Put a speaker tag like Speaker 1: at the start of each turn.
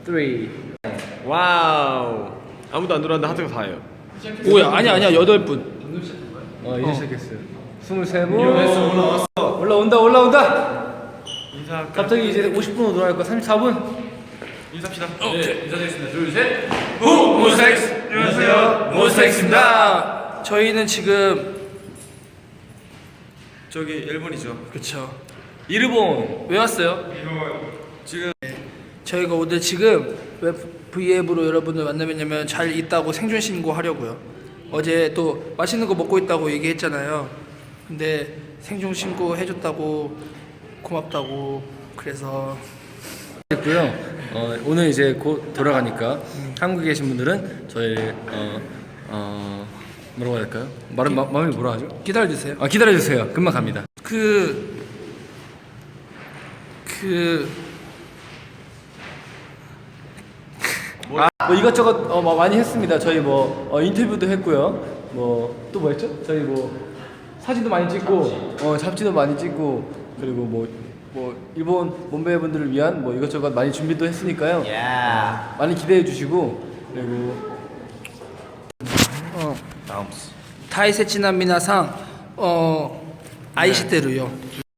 Speaker 1: 와우. 아무도 안 들어왔는데 하트가 4예요.
Speaker 2: 오야 아니야 8분.
Speaker 3: 이제 시작했어요. 23분. 올라온다.
Speaker 1: 인사.
Speaker 3: 갑자기 이제 50분으로 돌아갈 거 34분.
Speaker 1: 인사합시다.
Speaker 2: 네, 인사드리겠습니다. 둘, 셋. 모스텍스. 안녕하세요. 모스텍스입니다. 저희는 지금
Speaker 1: 저기 일본이죠.
Speaker 2: 그쵸.
Speaker 3: 일본.
Speaker 2: 왜 왔어요?
Speaker 1: 지금
Speaker 2: 저희가 오늘 지금 왜 V앱으로 여러분을 만나면냐면 잘 있다고 생존 신고하려고요. 어제 또 맛있는 거 먹고 있다고 얘기했잖아요. 근데 생존 신고 해줬다고 고맙다고 그래서
Speaker 3: 됐고요. 오늘 이제 곧 돌아가니까 한국에 계신 분들은 저희 뭐라고 해야 될까요? 마음이 뭐라 하죠?
Speaker 2: 기다려주세요.
Speaker 3: 기다려주세요. 금방 갑니다. 뭐 이것저것 많이 했습니다. 저희 인터뷰도 했고요. 또 뭐 했죠? 저희 사진도 많이 찍고 잡지도 많이 찍고 그리고 일본 몸베이분들을 위한 이것저것 많이 준비도 했으니까요. 많이 기대해 주시고 그리고
Speaker 2: 다이세치나 미나상 아이시테루요.